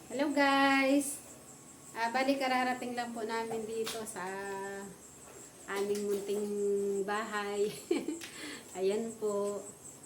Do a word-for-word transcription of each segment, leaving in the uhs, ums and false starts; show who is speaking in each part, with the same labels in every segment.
Speaker 1: Hello guys! Ah, bali kararating lang po namin dito sa aming munting bahay. Ayan po.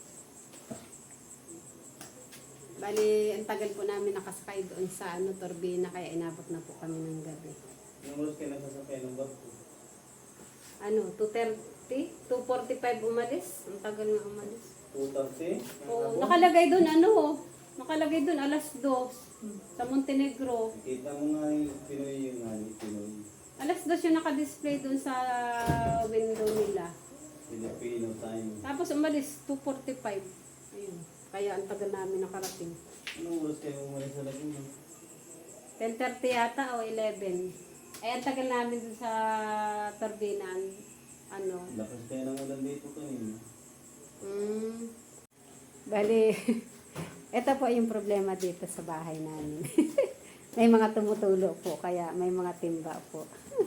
Speaker 1: Bali, ang tagal po namin nakasakay doon sa ano, turbina, kaya inabot na po kami ng gabi.
Speaker 2: Anong oras kayo nagsasakay ng barko?
Speaker 1: Ano, two thirty? two forty-five umalis? Ang tagal nga umalis.
Speaker 2: two thirty?
Speaker 1: Oo, nakalagay doon ano, nakalagay doon alas dos sa Montenegro.
Speaker 2: Kita mo nga yung Pinoy yung nga yung Pinoy.
Speaker 1: Alas dos yung nakadisplay doon sa window nila.
Speaker 2: Filipino time.
Speaker 1: Tapos umalis, two forty-five. Ayun. Kaya ang tagal namin nakarating.
Speaker 2: Anong oras kayo umalis sa Laguna?
Speaker 1: ten thirty yata o eleven. Ay, ang tagal namin dun sa Turbinan. Ano?
Speaker 2: Lakas kayo ng ulan dito kanina.
Speaker 1: Mm. Bali, ito po yung problema dito sa bahay namin. May mga tumutulo po, kaya may mga timba po.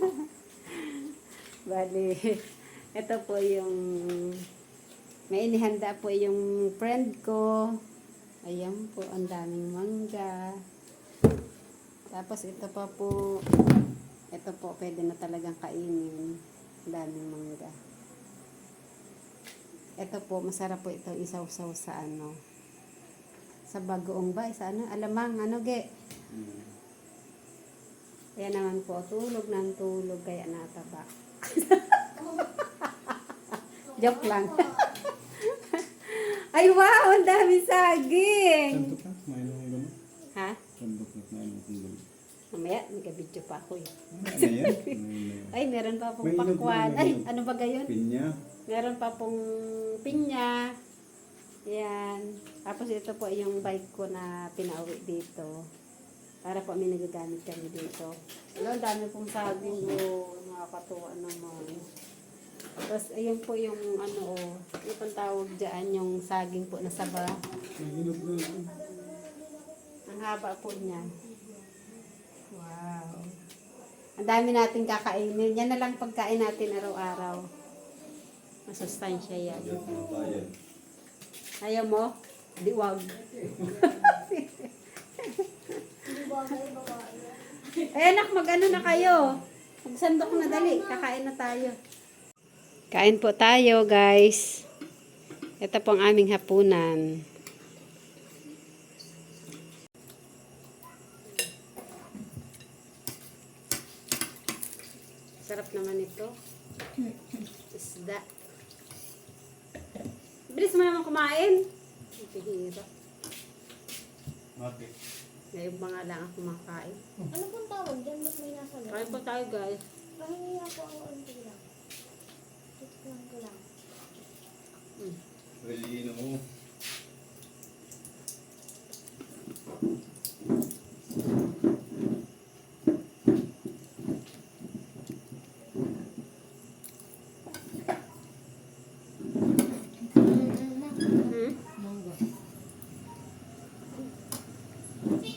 Speaker 1: Bali, ito po yung may inihanda po yung friend ko. Ayan po, ang daming mangga. Tapos ito pa po, ito po, pwede na talagang kainin. Ang daming mangga. Ito po, masarap po ito isaw-saw sa ano, sa bagoong ba, sa ano, alamang, ano ge.
Speaker 2: Hmm.
Speaker 1: Kaya naman po, tulog ng tulog, kaya nataba. Joke lang. Ay, wow! Ang dami saging!
Speaker 2: Sandok na? Kumain mo gano'n?
Speaker 1: Ha?
Speaker 2: Sandok na kumain mo kung gano'n.
Speaker 1: Mamaya, nagka-video pa ako eh.
Speaker 2: Ano yan? Ano yan?
Speaker 1: Ay, meron pa pong
Speaker 2: May inog
Speaker 1: pakwan.
Speaker 2: na, may
Speaker 1: Ay,
Speaker 2: inog.
Speaker 1: ano ba gayon?
Speaker 2: Pinya.
Speaker 1: Meron pa pong pinya. Yan. Tapos ito po yung bike ko na pinauwi dito. Para po may nagagamit kami dito. Ano, ang dami pong saging o nakakatuwa naman. Tapos ayun po yung ano, yung pang tawag dyan, yung saging po na saba.
Speaker 2: May inog na ito.
Speaker 1: Ang haba po niya. Wow. Ang dami natin kakainin. Yan na lang pagkain natin araw-araw. Masustansya yan.
Speaker 2: Yan, mga bayan.
Speaker 1: Ayaw mo? Di wag. Ay anak, mag-ano na kayo? Magsandok na dali. Kakain na tayo. Kain po tayo, guys. Ito po ang aming hapunan. Sarap naman ito. Isda. Bilis mo naman kumain. Pihira.
Speaker 2: Bakit?
Speaker 1: Ngayon mga lang ako kumakain.
Speaker 3: Ano pong tawag dyan? Ba't may nasa loob?
Speaker 1: Kain po tayo, guys.
Speaker 3: Pahingi ako ang unti lang. Tikman ko lang.
Speaker 1: Mm.
Speaker 2: Relino mo.
Speaker 1: Hmm?
Speaker 3: Mangga.